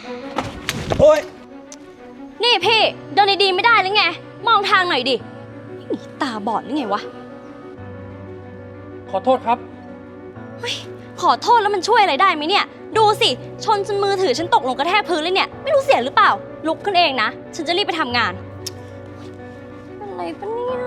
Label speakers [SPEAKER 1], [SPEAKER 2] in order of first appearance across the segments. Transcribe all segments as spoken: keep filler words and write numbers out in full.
[SPEAKER 1] โอ๊ย
[SPEAKER 2] นี่พี่เดินดีๆไม่ได้หรือไงมองทางหน่อยดิตาบอดหรือไงวะ
[SPEAKER 1] ขอโทษครับ
[SPEAKER 2] ขอโทษแล้วมันช่วยอะไรได้ไหมเนี่ยดูสิชนจนมือถือฉันตกลงกระแทกพื้นเลยเนี่ยไม่รู้เสียหรือเปล่าลุกขึ้นเองนะฉันจะรีบไปทำงานอะไรปะเนี่ย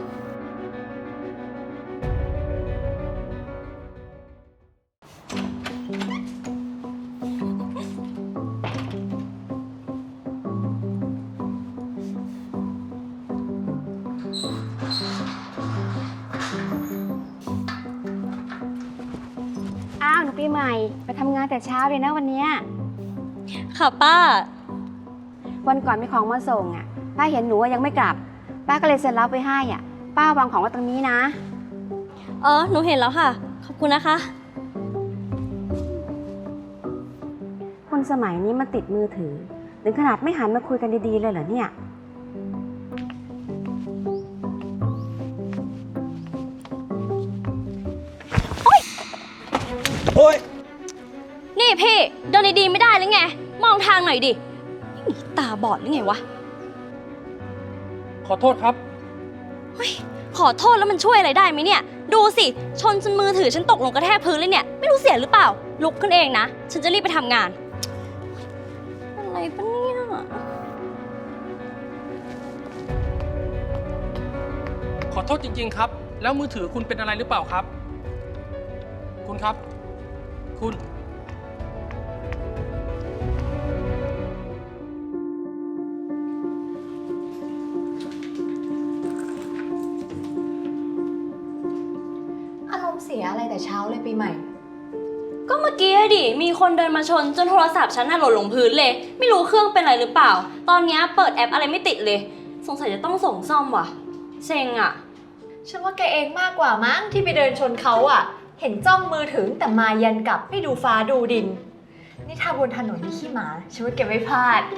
[SPEAKER 3] อ้าวหนูปีใหม่ไปทำงานแต่เช้าเลยนะวันนี้
[SPEAKER 2] ค่ะป้า
[SPEAKER 3] วันก่อนมีของมาส่งอ่ะป้าเห็นหนูยังไม่กลับป้าก็เลยเซ็นรับไปให้อ่ะป้าวางของไว้ตรงนี้นะ
[SPEAKER 2] เออหนูเห็นแล้วค่ะขอบคุณนะคะ
[SPEAKER 3] คนสมัยนี้มันติดมือถือถึงขนาดไม่หันมาคุยกันดีๆเลยเหรอเนี่ย
[SPEAKER 1] โอ๊ย
[SPEAKER 2] นี่พี่เดินดีๆไม่ได้หรือไงมองทางหน่อยดิตาบอดหรือไงวะ
[SPEAKER 1] ขอโทษครับ
[SPEAKER 2] ขอโทษแล้วมันช่วยอะไรได้ไหมเนี่ยดูสิชนจนมือถือฉันตกลงกระแทกพื้นเลยเนี่ยไม่รู้เสียหรือเปล่าลุกขึ้นเองนะฉันจะรีบไปทำงานอะไรปะเนี่ย
[SPEAKER 1] ขอโทษจริงๆครับแล้วมือถือคุณเป็นอะไรหรือเปล่าครับคุณครับคุณ
[SPEAKER 4] อารมณ์เสียอะไรแต่เช้าเลยปีใหม่
[SPEAKER 2] ก็เมื่อกี้ดิมีคนเดินมาชนจนโทรศัพท์ฉันน่ะหล่นลงพื้นเลยไม่รู้เครื่องเป็นอะไรหรือเปล่าตอนนี้เปิดแอปอะไรไม่ติดเลยสงสัยจะต้องส่งซ่อมว่ะเซ็งอ่ะ
[SPEAKER 4] ฉันว่าแกเองมากกว่ามั้งที่ไปเดินชนเขาอ่ะเห็นจ้องมือถือแต่มายันกลับไม่ดูฟ้าดูดินนี่ถ้าบนถนนมีขี้หมาฉันว่าแกไม่พลาด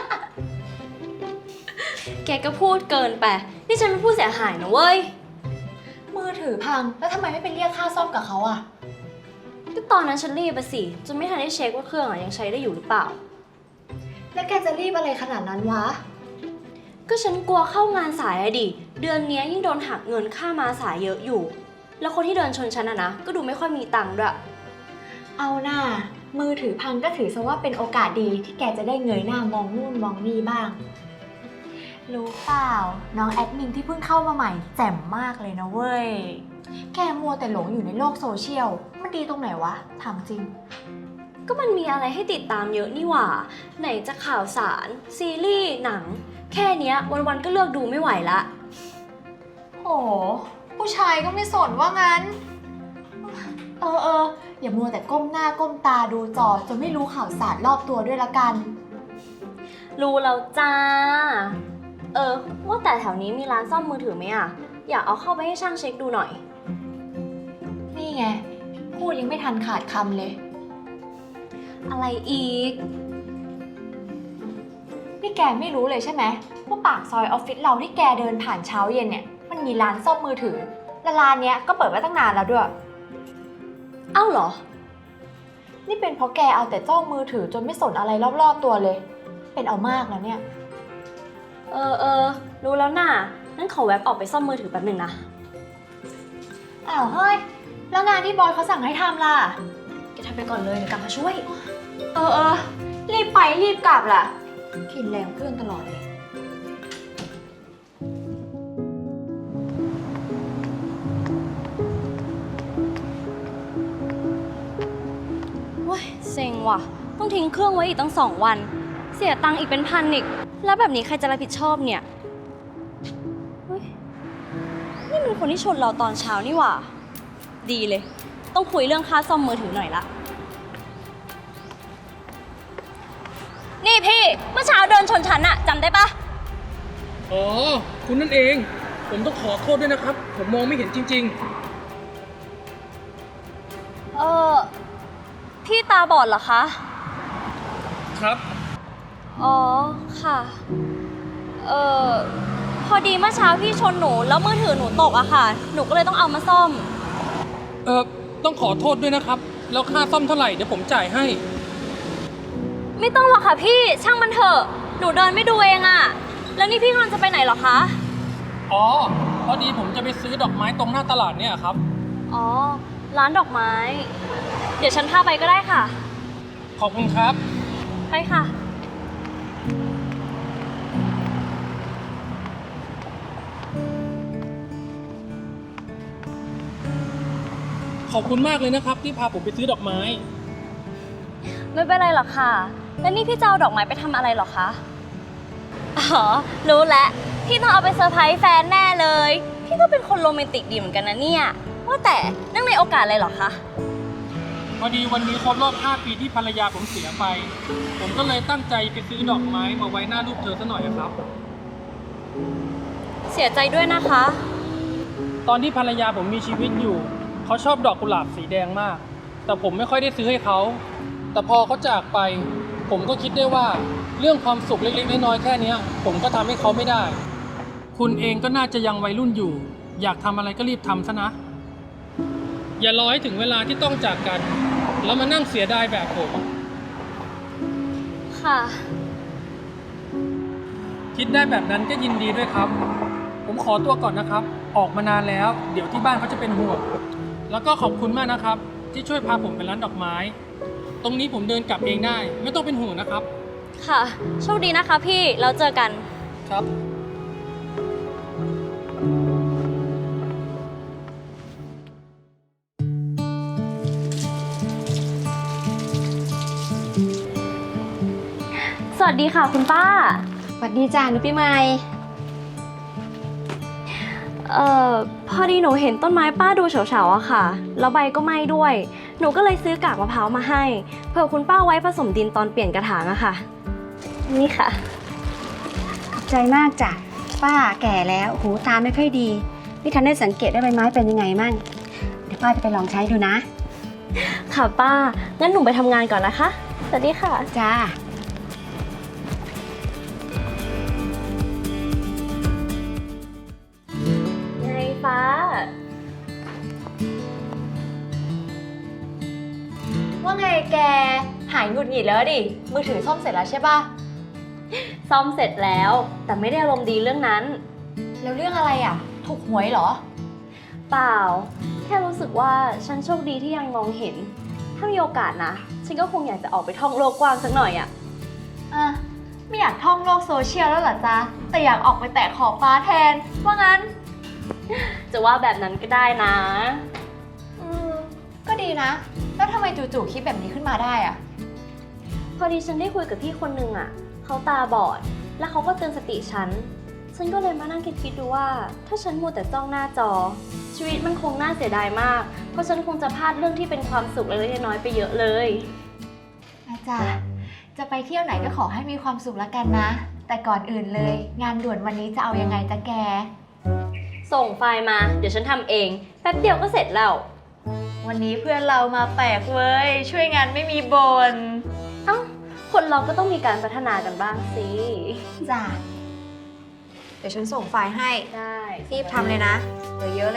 [SPEAKER 2] แกก็พูดเกินไปนี่ฉันเป็นผู้เสียหายนะเว้ย
[SPEAKER 4] มือถือพังแล้วทำไมไม่ไปเรียกค่าซ่อมกับเขาอ่ะ
[SPEAKER 2] ก็ตอนนั้นฉันรีบไปสิจนไม่ทันได้เช็คว่าเครื่องอะยังใช้ได้อยู่หรือเปล่า
[SPEAKER 4] แล้วแกจะรีบอะไรขนาดนั้นวะ
[SPEAKER 2] ก็ฉันกลัวเข้างานสายอะดิเดือนนี้ยิ่งโดนหักเงินค่ามาสายเยอะอยู่แล้วคนที่เดินชนฉันอะนะก็ดูไม่ค่อยมีตังค์ด้วย
[SPEAKER 4] เอาหน้ามือถือพังก็ถือซะว่าเป็นโอกาสดีที่แกจะได้เงยหน้ามองนู่นมองนี่บ้างรู้เปล่าน้องแอดมินที่เพิ่งเข้ามาใหม่แจ่มมากเลยนะเว้ยแกมัวแต่หลงอยู่ในโลกโซเชียลมันดีตรงไหนวะถามจริง
[SPEAKER 2] ก็มันมีอะไรให้ติดตามเยอะนี่หว่าไหนจะข่าวสารซีรีส์หนังแค่เนี้ยวันๆก็เลือกดูไม่ไหวละ
[SPEAKER 4] โหผู้ชายก็ไม่สนว่างั้นเออเอออย่ามัวแต่ก้มหน้าก้มตาดูจอจนไม่รู้ข่าวสารรอบตัวด้วยละกัน
[SPEAKER 2] รู้แล้วจ้าเออว่าแต่แถวนี้มีร้านซ่อมมือถือไหมอ่ะอยากเอาเข้าไปให้ช่างเช็คดูหน่อย
[SPEAKER 4] นี่ไงพูดยังไม่ทันขาดคำเลย
[SPEAKER 2] อะไรอีก
[SPEAKER 4] นี่แกไม่รู้เลยใช่ไหมว่าปากซอยออฟฟิศเราที่แกเดินผ่านเช้าเย็นเนี่ยมันมีร้านซ่อมมือถือและร้านเนี้ยก็เปิดไว้ตั้งนานแล้วด้วย
[SPEAKER 2] เอ้าเหรอ
[SPEAKER 4] นี่เป็นเพราะแกเอาแต่จ้องมือถือจนไม่สนอะไรรอบๆตัวเลยเป็นเอามากแล้วเนี่ย
[SPEAKER 2] เออเออรู้แล้วน่ะงั้นขอแวบออกไปซ่อมมือถือแป๊บหนึ่งนะ
[SPEAKER 4] อ้าวเฮ้ยแล้วงานที่บอยเขาสั่งให้ทำล่ะ
[SPEAKER 2] แกทำไปก่อนเลยเดี๋ยวกลับมาช่วย
[SPEAKER 4] เออเออรีบไปรีบกลับล่ะกินแรงเพื่อนตลอดเลย
[SPEAKER 2] เว้ยเซ็งว่ะต้องทิ้งเครื่องไว้อีกตั้งสองวันเสียตังค์อีกเป็นพันอีกแล้วแบบนี้ใครจะรับผิดชอบเนี่ยเฮ้ยนี่มันคนที่ชนเราตอนเช้านี่หว่าดีเลยต้องคุยเรื่องค่าซ่อมมือถือหน่อยละนี่พี่เมื่อเช้าเดินชนฉันอะจำได้ปะ
[SPEAKER 1] อ๋อคุณนั่นเองผมต้องขอโทษด้วยนะครับผมมองไม่เห็นจริง
[SPEAKER 2] ๆเออพี่ตาบอดเหรอคะ
[SPEAKER 1] ครับ
[SPEAKER 2] อ๋อค่ะเออพอดีเมื่อเช้าพี่ชนหนูแล้วมือถือหนูตกอะค่ะหนูก็เลยต้องเอามาซ่อม
[SPEAKER 1] เออต้องขอโทษด้วยนะครับแล้วค่าซ่อมเท่าไหร่เดี๋ยวผมจ่ายให้
[SPEAKER 2] ไม่ต้องหรอกค่ะพี่ ช่างมันเถอะ หนูเดินไม่ดูเองอะแล้วนี่พี่กำลังจะไปไหนเหรอคะ
[SPEAKER 1] อ๋อ พอดีผมจะไปซื้อดอกไม้ตรงหน้าตลาดเนี่ยครับ
[SPEAKER 2] อ๋อ ร้านดอกไม้ เดี๋ยวฉันพาไปก็ได้ค่ะ
[SPEAKER 1] ขอบคุณครับ
[SPEAKER 2] ไปค่ะ
[SPEAKER 1] ขอบคุณมากเลยนะครับที่พาผมไปซื้อดอกไม้
[SPEAKER 2] ไม่เป็นไรหรอกค่ะ แล้วนี่พี่จะเอาดอกไม้ไปทำอะไรหรอคะ อ๋อ รู้แล้ว พี่ต้องเอาไปเซอร์ไพรส์แฟนแน่เลย พี่ก็เป็นคนโรแมนติกดีเหมือนกันนะเนี่ย ว่าแต่เนื่องในโอกาสอะไรหรอคะ
[SPEAKER 1] พอดีวันนี้ครบรอบห้าปีที่ภรรยาผมเสียไป ผมก็เลยตั้งใจไปซื้อดอกไม้มาไว้หน้ารูปเธอซะหน่อยอะครับ
[SPEAKER 2] เสียใจด้วยนะคะ
[SPEAKER 1] ตอนที่ภรรยาผมมีชีวิตอยู่ เขาชอบดอกกุหลาบสีแดงมาก แต่ผมไม่ค่อยได้ซื้อให้เขา แต่พอเขาจากไป ผมก็คิดได้ว่าเรื่องความสุขเล็กๆน้อยๆแค่เนี้ย ผมก็ทำให้เขาไม่ได้ คุณเองก็น่าจะยังวัยรุ่นอยู่ อยากทำอะไรก็รีบทำซะนะ อย่ารอให้ถึงเวลาที่ต้องจากกัน แล้วมานั่งเสียดายแบบผม
[SPEAKER 2] ค่ะ
[SPEAKER 1] คิดได้แบบนั้นก็ยินดีด้วยครับ ผมขอตัวก่อนนะครับ ออกมานานแล้ว เดี๋ยวที่บ้านเขาจะเป็นห่วง แล้วก็ขอบคุณมากนะครับ ที่ช่วยพาผมไปร้านดอกไม้ ตรงนี้ผมเดินกลับเองได้ ไม่ต้องเป็นห่วงนะครับ
[SPEAKER 2] ค่ะ โชคดีนะคะพี่ แล้วเจอกัน
[SPEAKER 1] ครับ
[SPEAKER 2] สวัสดีค่ะคุณป้า
[SPEAKER 3] สวัสดีจ้าหนูปีใหม่
[SPEAKER 2] เอ่อ พอดีหนูเห็นต้นไม้ป้าดูเฉาๆอะค่ะ แล้วใบก็ไหม้ด้วย หนูก็เลยซื้อกากมะพร้าวมาให้เผื่อคุณป้าไว้ผสมดินตอนเปลี่ยนกระถางอะค่ะ นี่ค่ะ
[SPEAKER 3] ขอบใจมากจ้ะ ป้าแก่แล้ว หูตาไม่ค่อยดี ไม่ทันได้สังเกตว่าใบไม้เป็นยังไงมั่ง เดี๋ยวป้าจะไปลองใช้ดูนะ
[SPEAKER 2] ค่ะป้า งั้นหนูไปทำงานก่อนนะคะ สวัสดีค่ะ
[SPEAKER 3] จ้า
[SPEAKER 2] ไงฟ้า
[SPEAKER 4] ว่าไงแก หายหงุดหงิดแล้วดิ มือถือซ่อมเสร็จแล้วใช่ปะ
[SPEAKER 2] ซ่อมเสร็จแล้ว แต่ไม่ได้อารมณ์ดีเรื่องนั้น
[SPEAKER 4] แล้วเรื่องอะไรอ่ะ ถูกหวยเหรอ
[SPEAKER 2] เปล่า แค่รู้สึกว่าฉันโชคดีที่ยังมองเห็น ถ้ามีโอกาสนะ ฉันก็คงอยากจะออกไปท่องโลกกว้างสักหน่อยอะ
[SPEAKER 4] อ่ะ ไม่อยากท่องโลกโซเชียลแล้วเหรอจ๊ะ แต่อยากออกไปแตะขอบฟ้าแทน ว่างั้น
[SPEAKER 2] จะว่าแบบนั้นก็ได้นะ
[SPEAKER 4] อืม ก็ดีนะ แล้วทำไมจู่ๆคิดแบบนี้ขึ้นมาได้อ่ะ
[SPEAKER 2] พอดีฉันได้คุยกับพี่คนนึงอะเขาตาบอด แล้วเขาก็เตือนสติฉัน ฉันก็เลยมานั่งคิดๆดูว่า ถ้าฉันมัวแต่จ้องหน้าจอ ชีวิตมันคงน่าเสียดายมาก เพราะฉันคงจะพลาดเรื่องที่เป็นความสุขเล็กๆน้อยๆไปเยอะเลย
[SPEAKER 4] อาจารย์จะไปเที่ยวไหนก็ขอให้มีความสุขแล้วกันนะ แต่ก่อนอื่นเลย งานด่วนวันนี้จะเอายังไงจ๊ะแก
[SPEAKER 2] ส่งไฟล์มา เดี๋ยวฉันทำเอง แป๊บเดียวก็เสร็จแล้ว
[SPEAKER 4] วันนี้เพื่อนเรามาแปลกเว้ย ช่วยงานไม่มีบน
[SPEAKER 2] เอ้า คนเราก็ต้องมีการพัฒนากันบ้างสิ
[SPEAKER 4] จ้ะ เดี๋ยวฉันส่งไฟล์ให้
[SPEAKER 2] ได้
[SPEAKER 4] รีบทำเลยนะเหลือเยอะเลย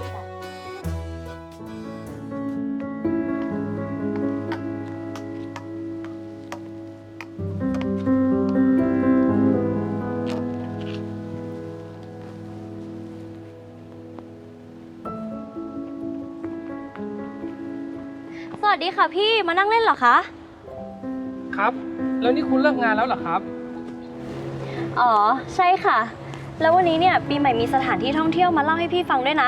[SPEAKER 2] สวัสดีค่ะพี่ มานั่งเล่นเหรอคะ
[SPEAKER 1] ครับ แล้วนี่คุณเลิกงานแล้วเหรอครับ
[SPEAKER 2] อ๋อ ใช่ค่ะ แล้ววันนี้เนี่ยปีใหม่มีสถานที่ท่องเที่ยวมาเล่าให้พี่ฟังด้วยนะ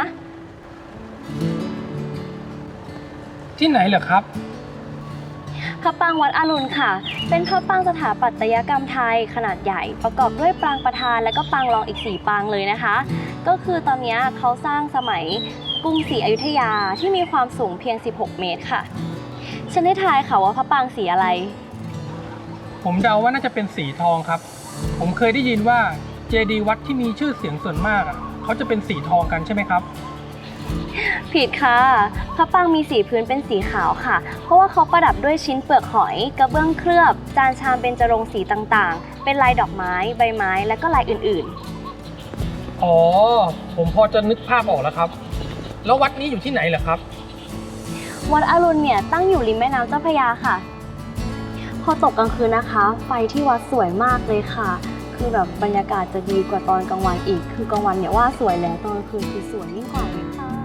[SPEAKER 1] ที่ไหนเหรอครับ
[SPEAKER 2] พระปรางวัดอรุณค่ะ เป็นพระปรางสถาปัตยกรรมไทยขนาดใหญ่ ประกอบด้วยปรางประธานและก็ปรางรองอีกสี่ปรางเลยนะคะ ก็คือตอนนี้เขาสร้างสมัยกรุงศรีอยุธยาที่มีความสูงเพียงสิบหกเมตรค่ะ ฉันได้ทายค่ะว่าพระปรางสีอะไร
[SPEAKER 1] ผมเดาว่าน่าจะเป็นสีทองครับ ผมเคยได้ยินว่าเจดีย์วัดที่มีชื่อเสียงส่วนมากอ่ะเขาจะเป็นสีทองกันใช่ไหมครับ
[SPEAKER 2] ผิดค่ะ พระปรางมีสีพื้นเป็นสีขาวค่ะ เพราะว่าเขาประดับด้วยชิ้นเปลือกหอย กระเบื้องเคลือบ จานชามเบญจรงค์สีต่างๆ เป็นลายดอกไม้ ใบไม้ และก็ลายอื่นๆ
[SPEAKER 1] อ๋อ ผมพอจะนึกภาพออกแล้วครับ แล้ววัดนี้อยู่ที่ไหนเหรอครับ
[SPEAKER 2] วัดอรุณเนี่ยตั้งอยู่ริมแม่น้ำเจ้าพระยาค่ะ พพอตกกลางคืนนะคะ ไฟที่วัดสวยมากเลยค่ะ คือแบบบรรยากาศจะดีกว่าตอนกลางวันอีก คือกลางวันเนี่ยว่าสวยแล้วตอนกลางคืนคือสวยยิ่งกว่าเลยค่ะ